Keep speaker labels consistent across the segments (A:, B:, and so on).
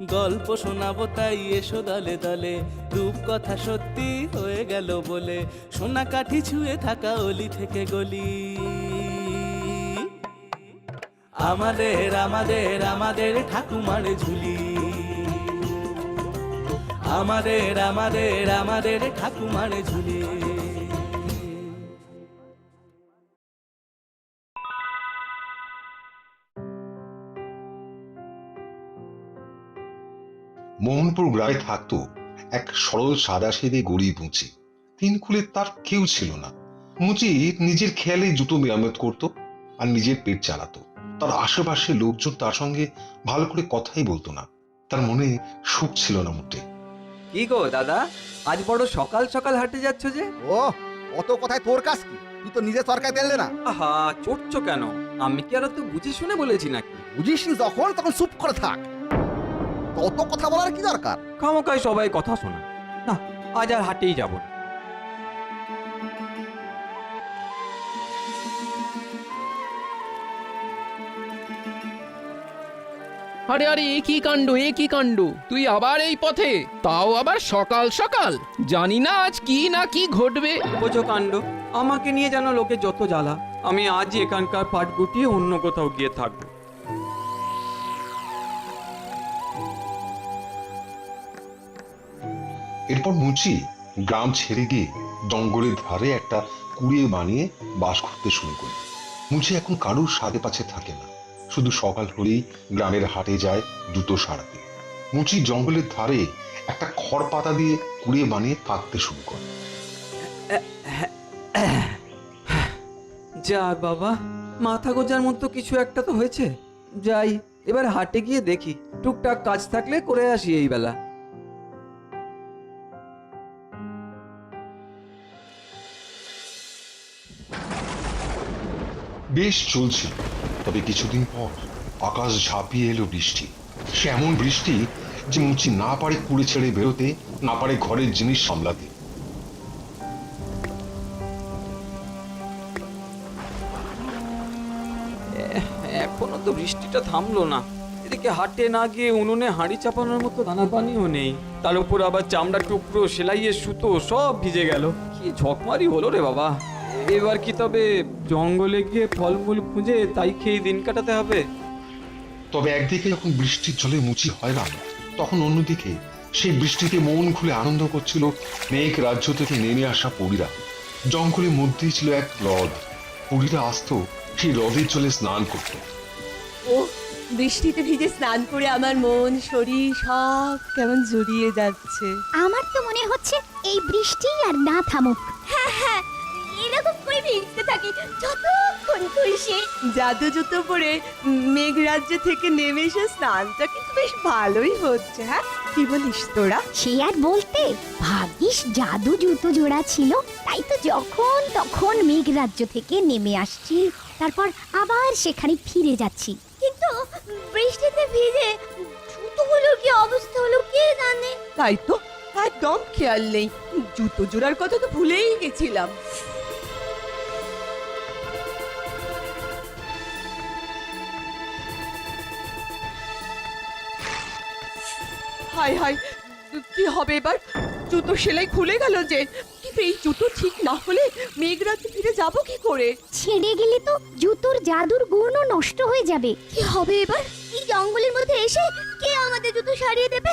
A: গল্প শোনাবো তাই এসো দলে দলে, রূপকথা সত্যি হয়ে গেল বলে, সোনা কাঠি ছুঁয়ে থাকা অলি থেকে গলি। আমাদের আমাদের আমাদের ঠাকুমার ঝুলি, আমাদের আমাদের আমাদের ঠাকুমার ঝুলি।
B: মোহনপুর গ্রামে থাকতো এক সরল সাদাসিধে গরিব মুচি। তিন কুলে তার কেউ ছিল না। মুচি নিজের খেয়ালে জুতো মেরামত করত আর নিজের পেট চালাতো। তার আশেপাশে লোকজন তার সঙ্গে ভালো করে কথাই বলতো না। তার মনে সুখ ছিল না মোটে।
C: কি গো দাদা, আজ বড় সকাল সকাল হাঁটে যাচ্ছ যে?
D: ও অত কথায় তোর কাজ কি? তুই তো নিজে সরকার পেলে না।
C: আহা, চড়ছো কেন? আমি কি আর তো বুঝে শুনে বলেছি নাকি?
D: বুঝিস নি যখন তখন চুপ করে থাক। অত কথা বলার কি দরকার?
C: খামোকায় সবাই কথা শোনা। না, আজ আর হাটেই যাব না।
E: আরে আরে, এ কি কাণ্ড, এ কি কাণ্ড! তুই আবার এই পথে, তাও আবার সকাল সকাল! জানি না আজ কি না কি ঘটবে।
C: বোঝো কাণ্ড, আমাকে নিয়ে যেন লোকে যত জ্বালা। আমি আজই এখানকার পাট গুটিয়ে অন্য কোথাও গিয়ে থাকবো।
B: এরপর মুচি গ্রাম ছেড়ে গিয়ে জঙ্গলের ধারে একটা কুড়িয়ে বানিয়ে বাস করতে শুরু করে। মুচি এখন কারুর সাথে পাছে থাকে না, শুধু সকাল হলেই গ্রামের হাটে যায় জুতো সারাতে। মুচি জঙ্গলের ধারে একটা খড় পাতা দিয়ে কুড়িয়ে বানিয়ে থাকতে শুরু করে।
C: যাক বাবা, মাথা গোজার মতো কিছু একটা তো হয়েছে। যাই, এবার হাটে গিয়ে দেখি, টুকটাক কাজ থাকলে করে আসি এই বেলা।
B: বেশ চলছিল, তবে কিছুদিন পর আকাশ ঝাঁপিয়ে এলো বৃষ্টি। সে এমন বৃষ্টি যে মুচি না পারে কুড়ে ছেড়ে বেরোতে, না পারে ঘরের জিনিস সামলাতে।
C: এখনো তো বৃষ্টিটা থামলো না। এদিকে হাটে না গিয়ে উনুনে হাঁড়ি চাপানোর মতো দানা পানিও নেই। তার উপর আবার চামড়া টুকরো, সেলাইয়ের সুতো সব ভিজে গেল। কি ঝকমারি হলো রে বাবা! এবার কি তবে জঙ্গলে গিয়ে ফলমূল খুঁজে তাই খেয়ে দিন কাটাতে হবে?
B: তবে একদিকে যখন বৃষ্টির জলে মুচি হয়রান, তখন অন্যদিকে সেই বৃষ্টিতে মন খুলে আনন্দ করছিল মেঘ রাজ্য থেকে নেমে আসা পরীরা। জঙ্গলের মধ্যেই ছিল এক হ্রদ। পরীরা আসতো সেই হ্রদের জলে স্নান করত।
F: ও বৃষ্টিতে ভিজে স্নান করে আমার মন শরীর সব কেমন জড়িয়ে যাচ্ছে।
G: আমার তো মনে হচ্ছে এই বৃষ্টি আর না থামুক।
F: হ্যাঁ হ্যাঁ, এরকম করে ভিজতে থাকি যতক্ষণ খুশি। জাদু জুতো পরে মেঘরাজ্য থেকে নেমে এসে স্নানটা কিন্তু বেশ ভালোই হচ্ছে। হ্যাঁ, কি বলিস তোরা?
G: সে আর বলতে, ভাগ্যিস জাদু জুতো জোড়া ছিল, তাই তো যখন তখন মেঘরাজ্য থেকে নেমে আসছি, তারপর আবার সেখানে ফিরে যাচ্ছি।
F: কিন্তু বৃষ্টিতে ভিজে জুতোগুলোর কি অবস্থা হলো কে জানে। তাই তো একদম খেয়াল নেই, জুতো জোড়ার কথা তো ভুলেই গেছিলাম। হাই হাই, কি হবে এবার? জুতো সেলাই খুলে গেল যে, কিন্তু এই জুতো ঠিক না হলে মেঘরাজ্যে ফিরে যাব কি করে?
G: ছেড়ে গেলে তো জুতোর জাদুর গুণও নষ্ট হয়ে যাবে।
F: কি হবে এবার? এই জঙ্গলের মধ্যে এসে কে আমাদের জুতো সারিয়ে দেবে?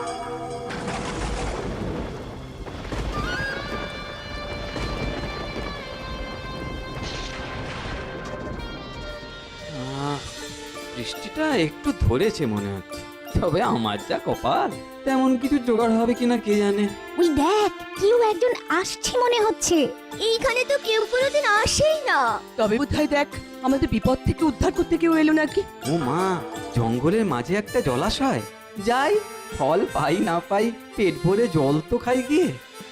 C: বৃষ্টিটা একটু ধরেছে মনে হচ্ছে, তবে আমার যা কপাল, তেমন কিছু জোগাড় হবে কিনা কে জানে।
G: ওই দেখ, কেউ একজন আসছে মনে হচ্ছে।
F: এইখানে তো কেউ কোনোদিন আসেই না। তবে বোধহয় দেখ, আমাদের বিপদ থেকে উদ্ধার করতে কেউ এলো নাকি।
C: ও মা, জঙ্গলের মাঝে একটা জলাশয়। যাই, ফল পাই না পাই, পেট ভরে জল তো খাই গিয়ে।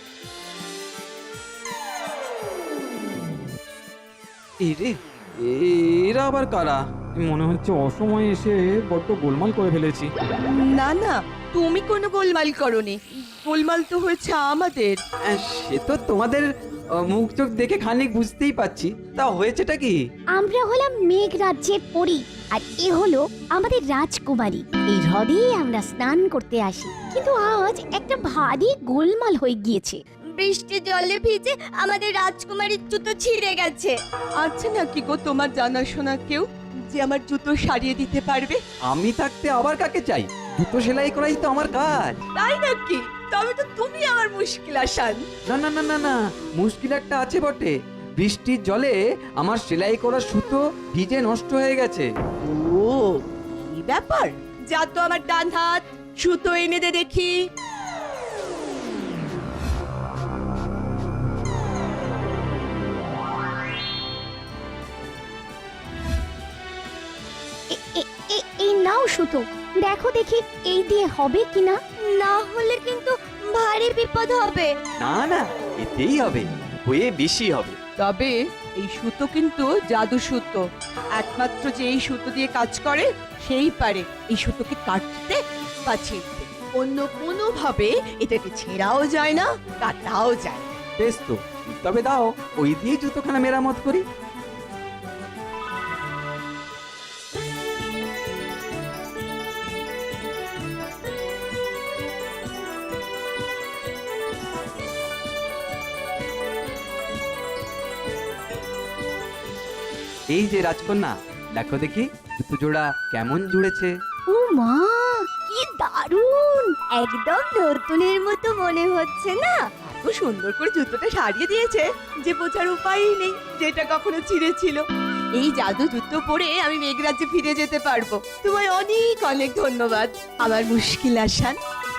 C: এই রে, এরা আবার কারা? মনে হচ্ছে অসময়ে এসে বড্ড গোলমাল করে ফেলেছি।
F: না না, তুমি কোনো গোলমাল করোনি, গোলমাল তো হয়েছে আমাদের।
C: সে তো তোমাদের মুখ চোখ দেখে খানিক বুঝতেই পাচ্ছি, তা হয়েছেটা কি?
G: আমরা হলাম মেঘ রাজ্যের পরী আর এ হলো আমাদের রাজকুমারী। এই হ্রদেই আমরা স্নান করতে আসি, কিন্তু আজ একটা ভারী গোলমাল হয়ে গিয়েছে।
F: বৃষ্টির জলে ভিজে আমাদের রাজকুমারীর জুতো ছিঁড়ে গেছে। আছে নাকি গো তোমার জানাশোনা কেউ যে আমার জুতো সারিয়ে দিতে পারবে?
C: আমি থাকতে আবার কাকে চাই? জুতো সেলাই করাই তো আমার কাজ।
F: তাই নাকি? তবে তো তুমি আমার মুশকিল আসান।
C: না না না না না, মুশকিল একটা আছে বটে। বৃষ্টির জলে আমার সেলাই করা সুতো ভিজে নষ্ট হয়ে গেছে।
F: ও কি ব্যাপার? যা তো আমার ডান হাত, সুতো এনে দে দেখি।
G: এই নাও সুতো, দেখো দেখি এই দিয়ে হবে কিনা।
F: না হলে কিন্তু ভারী বিপদ হবে।
C: না না, এতেই হবে, হয়ে বেশি হবে।
F: তবে এই সুতো কিন্তু জাদু সুতো। একমাত্র যে এই সুতো দিয়ে কাজ করে সেই পারে এই সুতোকে কাটতে বা ছিঁড়তে। অন্য কোনো ভাবে এটাকে ছেঁড়াও যায় না, কাটাও যায় না।
C: বেশ তো, তবে দাও ওই দিয়ে জুতোখানা মেরামত করি। এই যে রাজকন্যা, দেখো দেখি জুতো জোড়া কেমন জুড়েছে।
G: ও মা, কি দারুণ! একদম নতুনের মতো মনে হচ্ছে না?
F: এত সুন্দর করে জুতোটা সারিয়ে দিয়েছে যে বোঝার উপায়ই নেই যেটা কখনো ছিঁড়েছিল। এই জাদু জুতো পরে আমি মেঘরাজ্যে ফিরে যেতে পারবো। তোমায় অনেক অনেক ধন্যবাদ আমার মুশকিল আসান।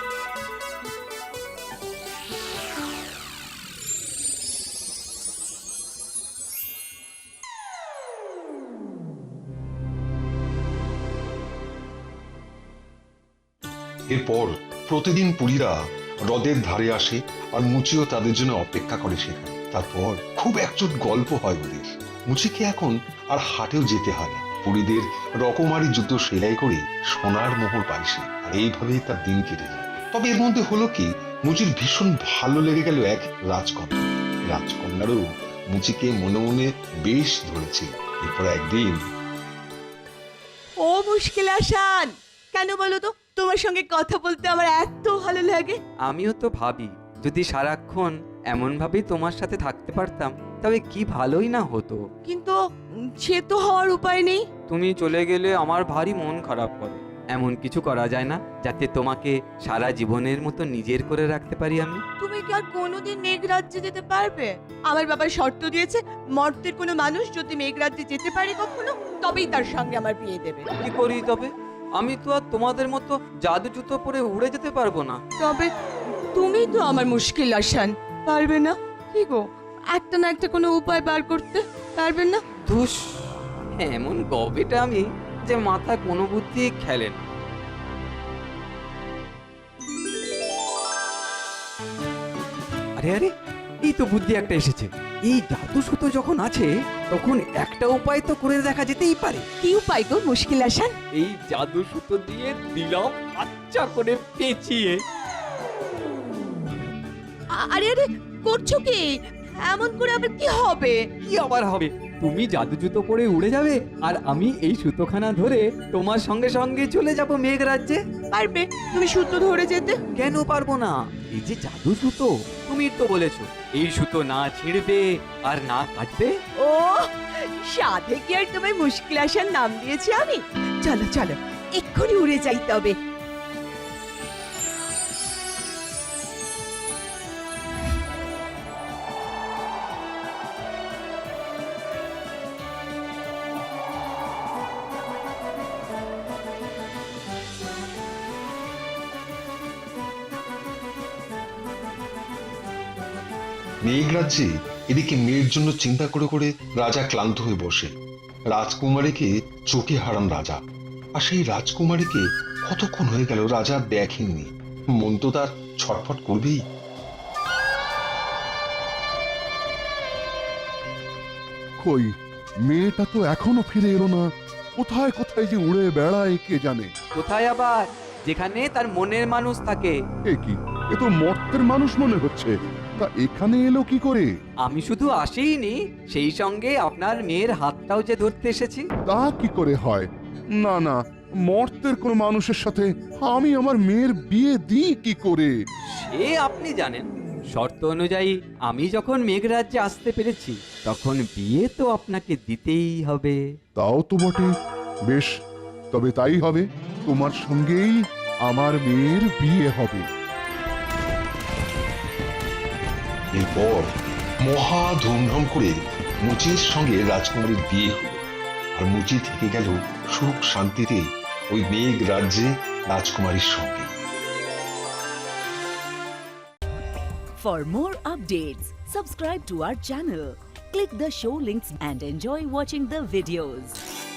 B: এরপর প্রতিদিন পুরীরা হ্রদের ধারে আসে আর মুচিও তাদের জন্য অপেক্ষা করে সেখানে। তারপর খুব একজোট গল্প হয় ওদের। মুচিকে এখন আর হাটেও যেতে হয় না। পুরীদের রকমারি জুতো সেলাই করে সোনার মোহর পায় সে, আর এইভাবেই তার দিন কেটে যায়। তবে এর মধ্যে হলো কি, মুচির ভীষণ ভালো লেগে গেল এক রাজকন্যা। রাজকন্যারও মুচিকে মনে মনে বেশ ধরেছে। এরপর একদিন,
F: ও মুশকিল আসান, কেন বলো তো তোমার সঙ্গে কথা বলতে আমার এত ভালো লাগে।
C: আমিও তো ভাবি, যদি সারাক্ষণ এমন ভাবেই তোমার সাথে থাকতে পারতাম তবে কি ভালোই না হতো।
F: কিন্তু সে তো হওয়ার উপায় নেই।
C: তুমি চলে গেলে আমার ভারী মন খারাপ করে। এমন কিছু করা যায় না যাতে তোমাকে সারা জীবনের মতো নিজের করে রাখতে পারি আমি?
F: তুমি কি আর কোনোদিন মেঘরাজ্যে যেতে পারবে? আমার বাবা শর্ত দিয়েছে, মর্তের কোনো মানুষ যদি মেঘরাজ্যে যেতে পারে কখনো, তবেই তার সঙ্গে আমার বিয়ে দেবে।
C: কি করি তবে? আমি তো আর তোমাদের মতো জাদু জুতো পরে উড়ে যেতে পারবো না।
F: তবে তুমি তো আমার মুশকিল আসান, পারবে না? কি গো, একটা না একটা কোনো উপায় বার করতে পারবেন না?
C: ধুস, এমন গবেটা আমি যে মাথা কোনো বুদ্ধি খেলে না। আরে আরে, এই তো বুদ্ধি একটা এসেছে। এই জাদু সুতো যখন আছে তখন একটা উপায় তো করে দেখা যেতেই পারে।
F: কি উপায় গো মুশকিল আসান?
C: এই জাদু সুতো দিয়ে দিলাম আচ্ছা করে পেঁচিয়ে।
F: আরে আরে, করছো কি? এমন করে আবার কি হবে?
C: কি আবার হবে? তুমি জাদু জুতো পরে উড়ে যাবে আর আমি এই সুতোখানা ধরে তোমার সঙ্গে সঙ্গে চলে যাব মেঘরাজ্যে।
F: পারবে তুমি সুতো ধরে যেতে?
C: কেন পারবো না? এই যে জাদু সুতো, তুমি তো বলেছো এই সুতো না ছিঁড়বে আর না কাটবে।
F: ও, সাধে কি আর তোমায় মুশকিল আসার নাম দিয়েছি আমি? চলো চলো, এক্ষুনি উড়ে যাই তবে।
B: মেঘরাজ্যে এদিকে মেয়ের জন্য চিন্তা করে করে রাজা ক্লান্ত হয়ে বসে। রাজকুমারীকে চোখে হারান রাজা, আর সেই রাজকুমারীকে কতক্ষণ হয়ে গেল রাজা দেখেননি। মন তো তার ছটফট করবেই।
H: কই, মেয়েটা তো এখনো ফিরে এলো না। কোথায় কোথায় যে উড়ে বেড়ায় কে জানে।
C: কোথায় আবার? যেখানে তার মনের মানুষ থাকে।
H: এ কি, এ তো মর্তের মানুষ মনে হচ্ছে। তা এখানে এলো কি করে?
C: আমি শুধু আসিনি, সেই সঙ্গে আপনার মেয়ের হাতটাও যে ধরতে এসেছি।
H: তা কি করে হয়? না না, মর্তের কোনো মানুষের সাথে আমি আমার মেয়ের বিয়ে দিই কি করে?
C: সে আপনি জানেন, শর্ত অনুযায়ী আমি যখন মেঘরাজ্যে আসতে পেরেছি তখন বিয়ে তো আপনাকে দিতেই হবে।
H: তাও তো বটে। বেশ, তবে তাই হবে। তোমার সঙ্গেই আমার মেয়ের বিয়ে হবে।
B: এরপর মহা ধুমধাম করে মুচির সঙ্গে রাজকুমারীর বিয়ে হলো। আর মুচি থেকে গেল সুখ শান্তিতে ওই মেঘ রাজ্যে রাজকুমারীর সঙ্গে।
I: For more updates, subscribe to our channel, click the show links and enjoy watching the videos.